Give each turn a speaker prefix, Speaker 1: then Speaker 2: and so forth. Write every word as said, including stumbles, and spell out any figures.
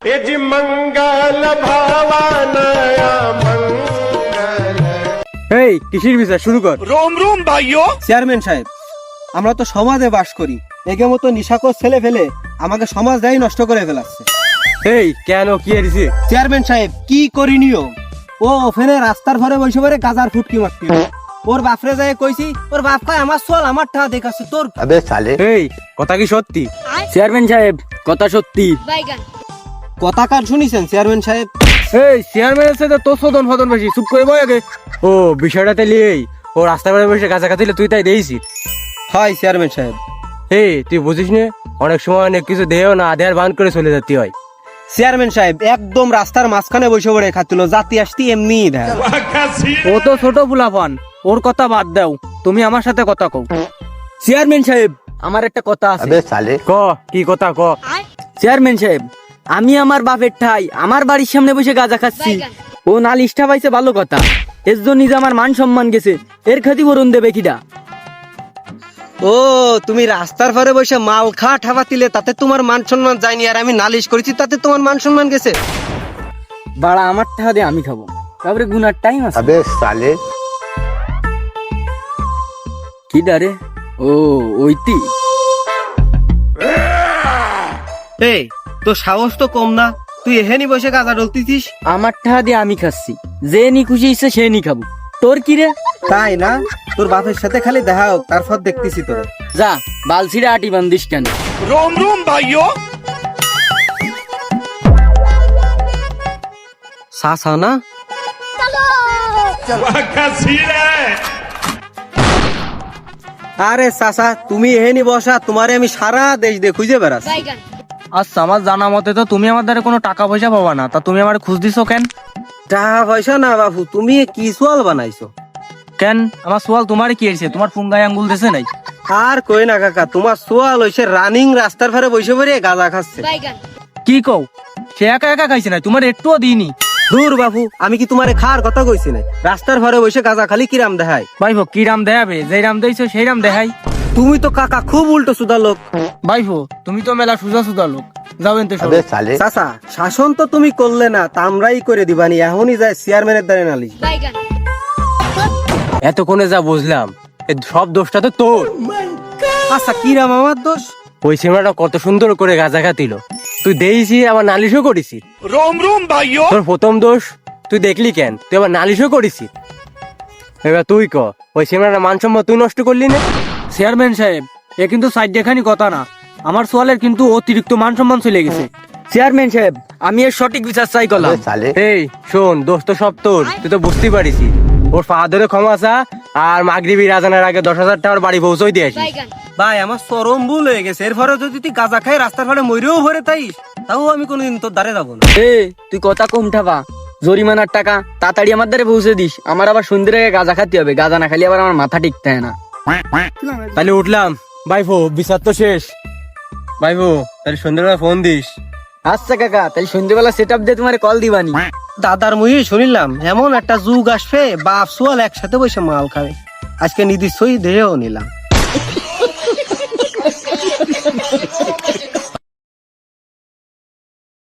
Speaker 1: এই কিসের বিচার শুরু কর।
Speaker 2: রোম রোম ভাইও।
Speaker 1: চেয়ারম্যান সাহেব, আমরা তো সমাজে বাস করি, একে মতো নিশাকর ছেলে ফেলে আমাকে সমাজটাই নষ্ট করে ফেলাচ্ছে। এই কেন কি হয়েছে? চেয়ারম্যান সাহেব কি করিনিও, ও ওখানে রাস্তার ঘরে বসে পড়ে গাজার ফুটকি মারতে, ওর বাপরে যায় কইছি, ওর বাপ কয় আমার চল আমার টাকা দেখাচ্ছে তোর।
Speaker 3: আবে সালে,
Speaker 1: এই কথা কি সত্যি?
Speaker 4: চেয়ারম্যান সাহেব কথা সত্যি।
Speaker 1: কথা কার শুনিছেন চেয়ারম্যান সাহেব?
Speaker 4: এই চেয়ারম্যানের সাথে তো সদন ফদন বেশি, চুপ করে বই আগে।
Speaker 1: ও বিষয়টাতে লিয়েই ও রাস্তার ঘরে বসে গাজা খাতিলে তুই তাই দেইছি? হয় চেয়ারম্যান সাহেব। এই তুই বুঝিস নে, অনেক সময় অনেক কিছু দেও না আধার বান করে চলে যেতে হয়। চেয়ারম্যান সাহেব একদম রাস্তার মাঝখানে বসে পড়ে খাচ্ছিল, জাতি আসতি এমনি দেয়।
Speaker 4: ও তো ছোট ফুলাফান, ওর কথা বাদ দাও, তুমি আমার সাথে কথা কও। চেয়ারম্যান সাহেব আমার একটা কথা আছে।
Speaker 3: আবে সালে,
Speaker 1: ক কি কথা ক।
Speaker 4: চেয়ারম্যান সাহেব, আমি আমার বাপের ঠাই আমার বাড়ির সামনে বসে গাঁজা খাচ্ছি, ও নালিশটা পাইছে ভালো কথা, এর জন্য যে আমার মান সম্মান গেছে, এর ক্ষতিপূরণ দেবে কিডা?
Speaker 1: ও তুমি রাস্তার ঘরে বসে মাল খা ঠাবা দিলে তাতে তোমার মান সম্মান যায়নি, আর আমি নালিশ করেছি তাতে তোমার মান সম্মান গেছে?
Speaker 4: বাড়া আমার টাকা দিয়ে আমি খাবো, তারপরে গুনার টাইম আছে।
Speaker 3: আবে সালে,
Speaker 4: কি ডারে? ও ওইটি।
Speaker 1: এই তোর সাহস তো কম না, তুই এখানে বসে গাঁজা ডলতিছিস?
Speaker 4: আমার টাকা দিয়ে আমি খাচ্ছি, যে নি খুশি ইচ্ছে সে নি খাবো, তোর কি রে?
Speaker 1: তাই না, তোর বাপের সাথে খালি দেখা হোক, তারপর দেখতেছি তোরা।
Speaker 4: যা বালছিরা আটি বান্দিস কেন?
Speaker 2: রোম রোম ভাইও।
Speaker 1: সাসা না আরে সাসা, তুমি এখানে বসা, তোমারে আমি সারা দেশ দিয়ে খুঁজে বেড়াচ্ছি।
Speaker 4: আচ্ছা আমার জানা মতে তো তুমি আমার দ্বারা কোনো টাকা পয়সা পাবা না, তা তুমি আমার খুঁজ দিছো কেন?
Speaker 1: টাকা পয়সা না বাবু, তুমি কি সোয়াল বানাইছো?
Speaker 4: কেন আমার সোয়াল তোমার কি হয়েছে? তোমার ফুঙ্গায় আঙ্গুল দেশে নাই?
Speaker 1: আর কই না কাকা, তোমার সোয়াল হইছে রানিং রাস্তার ধারে বসে পড়ে গাঁজা খাচ্ছে।
Speaker 4: কি কও? সে একা একা খাইছে না, তোমার একটুও দিইনি।
Speaker 1: দূর বাবু, আমি কি তোমারে খাওয়ার কথা কইছি না? রাস্তার ঘরে বসে গাঁজা খালি কিরাম দেখায়?
Speaker 4: ভাইফো কি রাম দেখাবে, যেই রাম দেইছো সেই রাম দেখাই।
Speaker 1: তুমি তো কাকা খুব উল্টো সুদা লোক।
Speaker 4: ভাইফো তুমি তো মেলা সুজা সুজা লোক, যাও এনতে
Speaker 3: আবে সালে,
Speaker 1: চাচা শাসন তো তুমি করলে না, তা আমরাই করে দিবানি, এখনই যায় চেয়ারম্যানের দ্বারে নালিশ। এতক্ষণে যা বুঝলাম সব দোষটা তো তোর। আচ্ছা কিরাম আমার দোষ? ওই সিনেমাটা কত সুন্দর করে গাঁজা খাতিল, তুই দেইছি আবার নালিশও করেছি।
Speaker 2: রোম রোম ভাইও।
Speaker 1: তোর প্রথম দোষ তুই দেখলি কেন, তুই আবার নালিশও করেছি। এবার তুই ক, ওই সিনেমাটা মানসম্মান তুই নষ্ট করলি না?
Speaker 4: চেয়ারম্যান সাহেব এ কিন্তু সাইড দেখানি কথা না, আমার সোয়ালের কিন্তু অতিরিক্ত মান সম্মান চলে গেছে। চেয়ারম্যান সাহেব আমি এর সঠিক বিচার চাই করলাম।
Speaker 3: আবে সালে,
Speaker 1: এই শোন, দোষ তো সব তোর, তুই তো বুঝতেই পারিস। ওর ফাদারে ক্ষমা চা, আর মাগরিবি রাজানের আগে দশ হাজার টাকার বাড়ি পৌঁছই দিয়ে আসিস। ভাই আমার চরম ভুল হয়ে গেছে, এরপরে যদি তুই গাঁজা খাই রাস্তার ফাড়ে মরেও ভরে তাইস, তাও আমি কোনোদিন তোর দ্বারে যাবো না।
Speaker 4: এ তুই কথা কম ঠাবা, জরিমানার টাকা তাড়াতাড়ি আমার দ্বারে পৌঁছে দিস, আমার আবার সন্ধ্যের আগে গাঁজা খাতে হবে, গাঁজা না খালি আবার আমার মাথা টিকতে হয় না।
Speaker 1: তাহলে উঠলাম ভাইফো, বিচার তো শেষ। ভাইফো তাহলে সন্ধ্যাবেলা ফোন দিস।
Speaker 4: আচ্ছা কাকা, তাহলে সন্ধ্যেবেলা সেট আপ দিয়ে তোমার কল দিবানি।
Speaker 1: দাদার মুই শুনিলাম এমন একটা যুগ আসবে, বাপ সোয়াল একসাথে বসে মাল খাবে, আজকে নির্দিষ্টই দেহেও নিলাম।